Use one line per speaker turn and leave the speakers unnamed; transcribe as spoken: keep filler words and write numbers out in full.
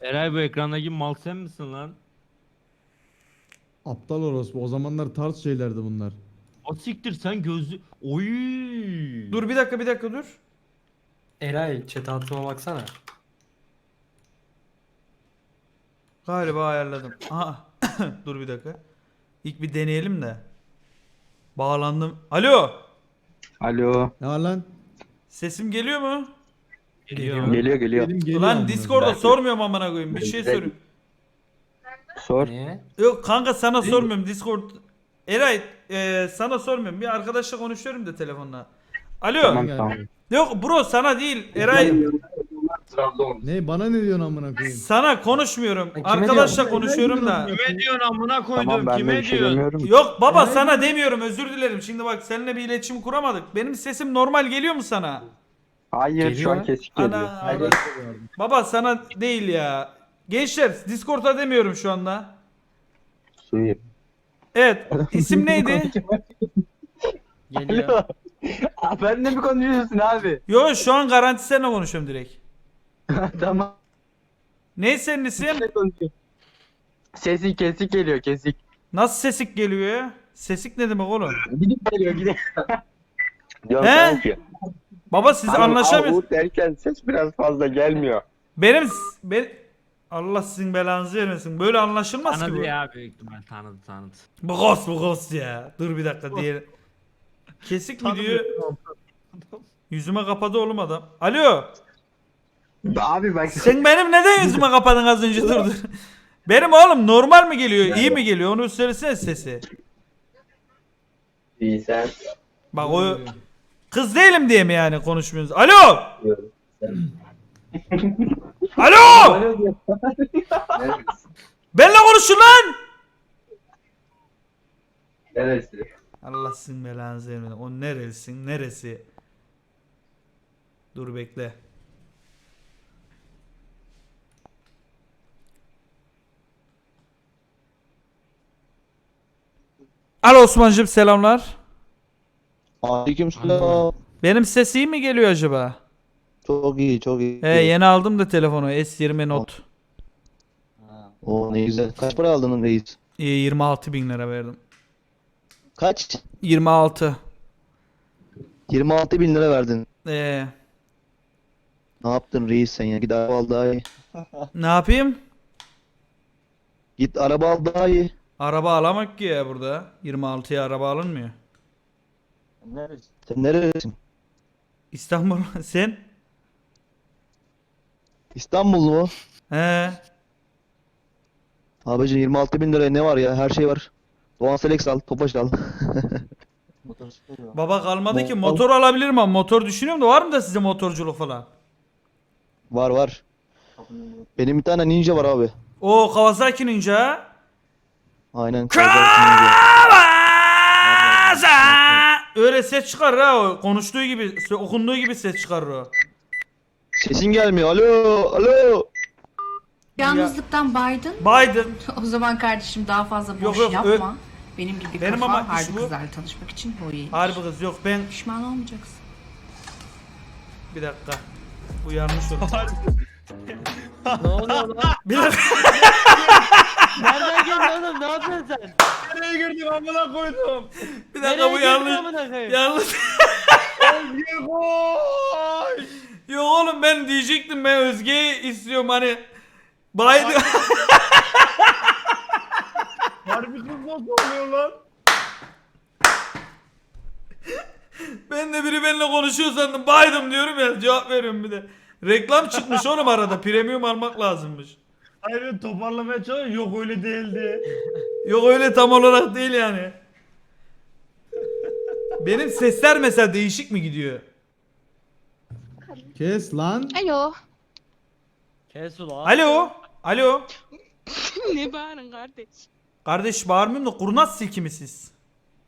Eray bu ekrandaki mal sen misin lan?
Aptal orospu. O zamanlar tarz şeylerdi bunlar.
O siktir sen gözlü... Oy.
Dur bir dakika bir dakika dur.
Eray chat altıma baksana.
Galiba ayarladım. Aha. Dur bir dakika. İlk bir deneyelim de. Bağlandım. Alo.
Alo.
Ne var lan?
Sesim geliyor mu?
Geliyor.
Geliyor geliyor.
Benim geliyor
Ulan
amına
Discord'da
koyayım.
sormuyorum amına koyayım. Bir şey soruyorum.
Sor.
Niye?
Yok kanka sana sormuyorum Discord. Eray e, sana sormuyorum. Bir arkadaşla konuşuyorum da telefonla. Alo.
Tamam
Gel.
tamam.
Yok bro sana değil. Eray
Ne bana ne diyorsun amına koyayım?
sana konuşmuyorum.
kime
Arkadaşla
diyorsun?
konuşuyorum da.
Kime diyorsun amına koydum?
Tamam ben de
Kime
bir şey
diyorsun?
demiyorum.
Yok baba
Eray
sana demiyorum özür dilerim. Şimdi bak seninle bir iletişim kuramadık. Benim sesim normal geliyor mu sana?
Hayır şu
Geliyor.
an kesik geliyor.
Ana, ara- Baba sana değil ya. Gençler Discord'a demiyorum şu anda.
Suyu.
Evet isim neydi?
Geliyor.
Aa, ben de mi konuşuyorsun abi?
Yo şu an garanti seninle konuşuyorum direkt.
Tamam.
Ne senin isim?
Sesi kesik geliyor kesik.
Nasıl sesik geliyor ya? Sesik ne demek oğlum?
Gidip geliyor gidip. Diyorum
He?
sana ki.
Baba siz
Hani
anlaşamıyorsunuz.
Avut derken ses biraz fazla gelmiyor.
Benim ben Allah sizin belanızı vermesin. Böyle anlaşılmaz ki
Tanıdı
bu.
ya büyük ihtimal tanıdı tanıdı.
Bu ghost bu ghost ya. Dur bir dakika diye. Kesik mi diyor? Yüzüme kapadı oğlum adam. Alo.
Abi bak
Sen benim neden yüzüme kapadın az önce dur dur. Benim oğlum normal mi geliyor? İyi mi geliyor? Onu söylesene sesi.
İyi sen.
Bak o kız değilim diye mi yani konuşmuyoruz? Alo. Alo. Benle konuşun lan.
Neresi?
Allah sizin belanızı vermesin. O neresin? Neresi? Dur bekle. Alo Osman'cığım selamlar.
Aleykümselam.
Benim ses iyi mi geliyor acaba?
Çok iyi, çok iyi.
He yeni aldım da telefonu S yirmi Note.
O ne güzel. Kaç para aldın reis?
Ee, yirmi altı bin lira verdim.
Kaç?
yirmi altı.
yirmi altı bin lira verdin.
Ee,
Ne yaptın reis sen ya? Git araba al daha iyi.
ne yapayım?
Git araba al daha iyi.
Araba alamak ki ya burada. yirmi altıya araba alınmıyor.
Sen neredesin?
İstanbul sen?
İstanbul mu?
He.
Abicim yirmi altı bin liraya ne var ya? Her şey var. Doğan Selex al, Tofaş al.
Baba kalmadı ki
Mo-
motor alabilirim ama motor düşünüyorum da var mı da size motorculuk falan?
Var var. Benim bir tane Ninja var abi.
O Kawasaki Ninja.
Aynen. Kawasaki Ninja.
Kawasaki. Öyle ses çıkarır ha o. Konuştuğu gibi, okunduğu gibi ses çıkarır o.
Sesin gelmiyor. Alo, alo.
Yalnızlıktan baydın.
Biden.
O zaman kardeşim daha fazla boş
Yok, yok,
yapma. Benim gibi
Benim
kafa
ama iş
harbi
bu.
kızlarla tanışmak için bu iyi.
Harbi kız yok ben
Pişman olmayacaksın.
bir dakika. Bu yanlış oldu.
Ne oluyor lan?
Bir dakika.
Nereden geldin oğlum? Ne yapıyorsun sen?
Nereye girdin amına koydum?
Bir dakika
Nereye
bu
girdin
yanlış.
amına koyayım?
Yanlış.
Gol!
Yok oğlum ben diyecektim ben Özge'yi istiyorum hani. Biden.
Harbi kız nasıl oluyor lan?
Ben de biri benimle konuşuyor sandım. Biden diyorum ya cevap veriyorum bir de. Reklam çıkmış oğlum arada. Premium almak lazımmış.
Hayır toparlamaya çalışıyor. Yok öyle değildi.
Yok öyle tam olarak değil yani. Benim sesler mesela değişik mi gidiyor?
Kes lan.
Alo.
Kes ulan.
Alo. Alo.
Ne bağırın kardeş?
Kardeş bağırmıyorum da kurnaz silki mi siz?